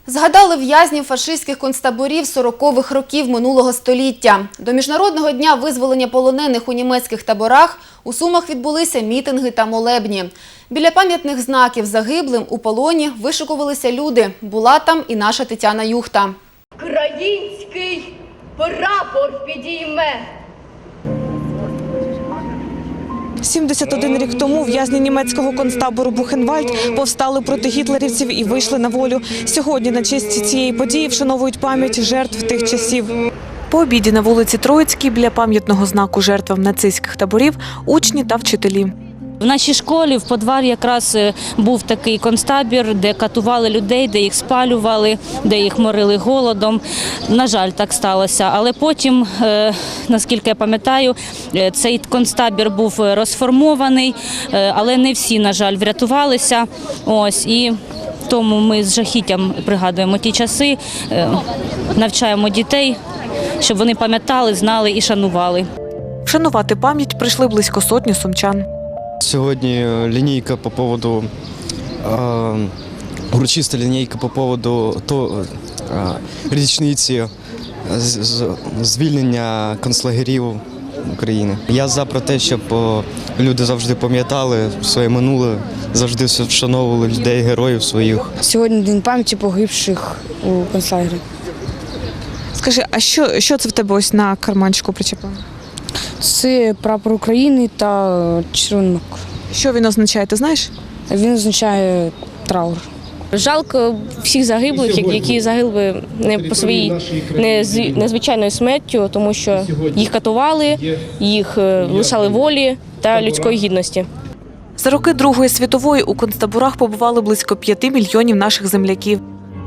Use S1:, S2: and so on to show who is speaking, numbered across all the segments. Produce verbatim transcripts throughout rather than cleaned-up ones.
S1: Згадали в'язнів фашистських концтаборів сорокових років минулого століття. До Міжнародного дня визволення полонених у німецьких таборах у Сумах відбулися мітинги та молебні. Біля пам'ятних знаків загиблим у полоні вишикувалися люди. Була там і наша Тетяна Юхта.
S2: Український прапор підійме.
S3: сімдесят один рік тому в'язні німецького концтабору Бухенвальд повстали проти гітлерівців і вийшли на волю. Сьогодні на честь цієї події вшановують пам'ять жертв тих часів. По обіді на вулиці Троїцькій біля пам'ятного знаку жертвам нацистських таборів учні та вчителі.
S4: В нашій школі в подвалі якраз був такий концтабір, де катували людей, де їх спалювали, де їх морили голодом. На жаль, так сталося. Але потім, наскільки я пам'ятаю, цей концтабір був розформований, але не всі, на жаль, врятувалися. Ось, і тому ми з жахіттям пригадуємо ті часи, навчаємо дітей, щоб вони пам'ятали, знали і шанували.
S3: Вшанувати пам'ять прийшли близько сотні сумчан.
S5: Сьогодні лінійка по поводу, е, урочиста лінійка по поводу то, е, річниці з, з, звільнення концлагерів України. Я за про те, щоб о, люди завжди пам'ятали своє минуле, завжди вшановували людей, героїв своїх.
S6: Сьогодні день пам'яті погибших у концлагері.
S3: Скажи, а що, що це в тебе ось на карманчику причепило?
S6: Це прапор України та червонок.
S3: Що він означає, ти знаєш?
S6: Він означає траур.
S7: Жалко всіх загиблих, які загинули не по своїй незвичайною смертю, тому що їх катували, їх лишали волі та людської гідності.
S3: За роки Другої світової у концтаборах побували близько п'яти мільйонів наших земляків.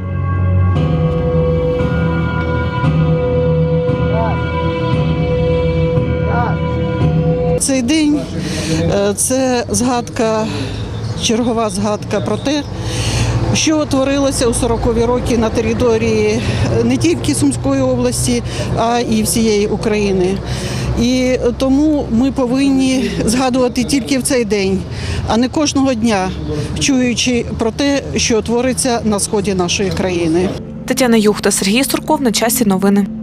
S8: Цей день – це згадка, чергова згадка про те, що творилося у сорокові роки на території не тільки Сумської області, а і всієї України. І тому ми повинні згадувати тільки в цей день, а не кожного дня, чуючи про те, що твориться на сході нашої країни.
S3: Тетяна Юхта, Сергій Сурков. На часі новини.